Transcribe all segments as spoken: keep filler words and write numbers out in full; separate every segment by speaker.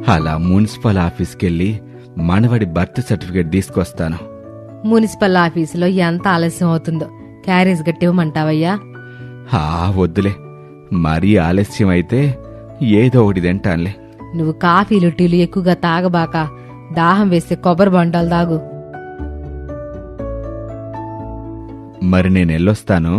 Speaker 1: అలా మున్సిపల్ ఆఫీస్కెళ్ళి మనవడి birth certificate తీసుకొస్తాను.
Speaker 2: మున్సిపల్ ఆఫీసులో ఎంత ఆలస్యం అవుతుందో క్యారేజ్ గట్టివ్వమంటావయ్యా?
Speaker 1: హా వద్దులే, మరీ ఆలస్యం అయితే ఏదో ఒకటి తింటానులే.
Speaker 2: నువ్వు కాఫీలు టీలు ఎక్కువగా తాగబాక, దాహం వేస్తే కొబ్బరి బొండాలు తాగు.
Speaker 1: మరి నేనెళ్ళొస్తాను.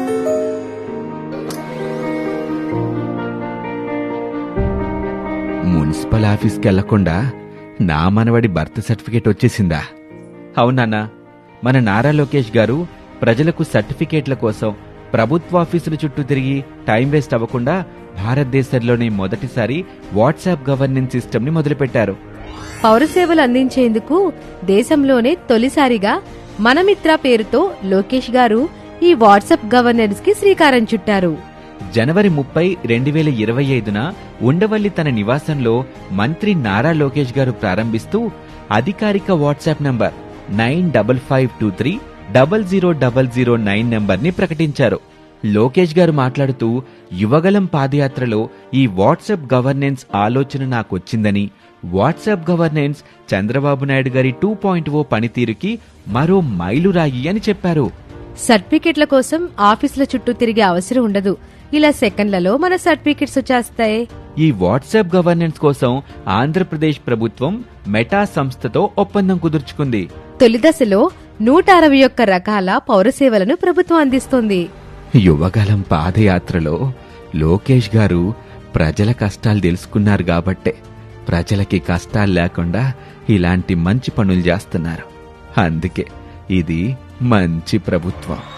Speaker 1: మున్సిపల్ ఆఫీస్కి వెళ్లకుండా నా మనవడి బర్త్ సర్టిఫికేట్ వచ్చేసిందా? అవునన్నా, మన నారా లోకేష్ గారు ప్రజలకు సర్టిఫికేట్ల కోసం ప్రభుత్వాఫీసుల చుట్టూ తిరిగి టైం వేస్ట్ అవ్వకుండా భారతదేశంలోనే మొదటిసారి వాట్సాప్ గవర్నెన్స్ సిస్టమ్ ని మొదలుపెట్టారు.
Speaker 2: పౌర సేవలు అందించేందుకు దేశంలోనే తొలిసారిగా మనమిత్ర పేరుతో లోకేష్ గారు ఈ వాట్సాప్ గవర్నెన్స్ కి శ్రీకారం చుట్టారు.
Speaker 1: జనవరి ముప్పై రెండు వేల ఇరవై ఐదున ఉండవల్లి తన నివాసంలో మంత్రి నారా లోకేష్ గారు ప్రారంభిస్తూ అధికారిక WhatsApp number nine double five two three double zero double zero nine number ని ప్రకటించారు. లోకేష్ గారు మాట్లాడుతూ, యువగలం పాదయాత్రలో ఈ వాట్సాప్ గవర్నెన్స్ ఆలోచన నాకొచ్చిందని, వాట్సాప్ గవర్నెన్స్ చంద్రబాబు నాయుడు గారి టూ పాయింట్ ఓ పనితీరుకి మరో మైలురాయి అని చెప్పారు.
Speaker 2: సర్టిఫికెట్ల కోసం ఆఫీసుల చుట్టూ తిరిగే అవసరం ఉండదు. ఇలా సెకండ్లలో మన సర్టిఫికెట్స్ వచ్చేస్తాయి.
Speaker 1: ఈ వాట్సాప్ గవర్నెన్స్ కోసం ఆంధ్రప్రదేశ్ ప్రభుత్వం మెటా సంస్థతో ఒప్పందం కుదుర్చుకుంది.
Speaker 2: తొలి దశలో నూట అరవై ఒక్క రకాల పౌర సేవలను ప్రభుత్వం అందిస్తోంది.
Speaker 1: యువగలం పాదయాత్రలో లోకేష్ గారు ప్రజల కష్టాలు తెలుసుకున్నారు కాబట్టే ప్రజలకి కష్టాలు లేకుండా ఇలాంటి మంచి పనులు చేస్తున్నారు. అందుకే ఇది మంచి ప్రభుత్వం.